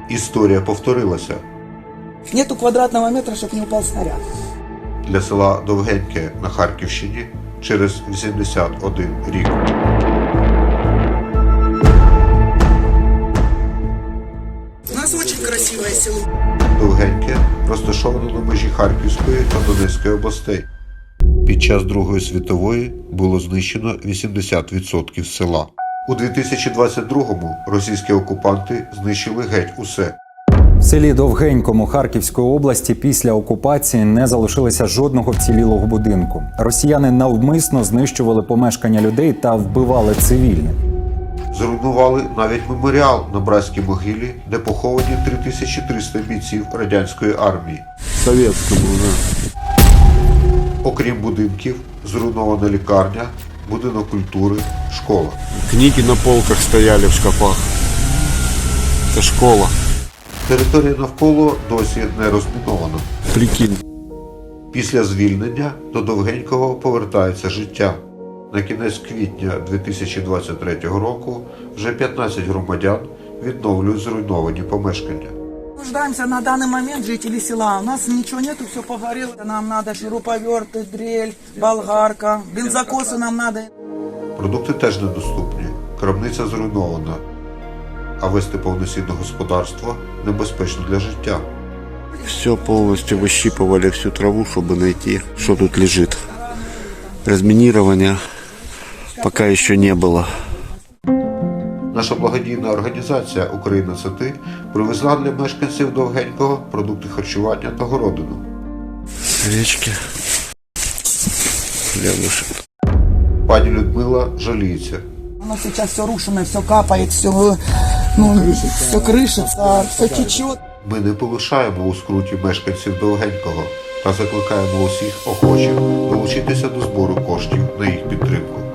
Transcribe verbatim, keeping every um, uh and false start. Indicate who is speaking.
Speaker 1: Історія повторилася.
Speaker 2: Нету квадратного метра, щоб не упав снаряд.
Speaker 1: Для села Довгеньке на Харківщині через вісімдесят один рік.
Speaker 2: У нас дуже красиве село.
Speaker 1: Довгеньке розташовано на межі Харківської та Донецької областей. Під час Другої світової було знищено вісімдесят відсотків села. У дві тисячі двадцять другому російські окупанти знищили геть усе.
Speaker 3: В селі Довгенькому Харківської області після окупації не залишилося жодного вцілілого будинку. Росіяни навмисно знищували помешкання людей та вбивали цивільних.
Speaker 1: Зруйнували навіть меморіал на братській могилі, де поховані три тисячі триста бійців радянської армії.
Speaker 4: Советскому, да.
Speaker 1: Окрім будинків, зруйнована лікарня, будинок культури, школа.
Speaker 4: Книги на полках стояли в шкафах. Це школа.
Speaker 1: Територія навколо досі не розмінована.
Speaker 4: Прикинь.
Speaker 1: Після звільнення до Довгенького повертається життя. На кінець квітня дві тисячі двадцять третього року вже п'ятнадцять громадян відновлюють зруйновані помешкання.
Speaker 2: Нуждаемся на данный момент жители села. У нас ничего нету, все погорело. Нам надо шуруповерты, дрель, болгарка, бензокосы нам надо.
Speaker 1: Продукти теж недоступні, крамниця зруйнована, а вести повноцінне господарство небезпечно для життя.
Speaker 4: Все полностью выщипывали, всю траву, чтобы найти, что тут лежит. Разминирования пока еще не было.
Speaker 1: Наша благодійна організація «Україна – це ти» привезла для мешканців Довгенького продукти харчування та городину.
Speaker 4: Речки. Хлебушек.
Speaker 1: Пані Людмила жаліється.
Speaker 2: У нас сейчас все рушено, все капает, все, ну, все крышится, все течет.
Speaker 1: Ми не полишаємо у скруті мешканців Довгенького та закликаємо усіх охочих долучитися до збору коштів на їх підтримку.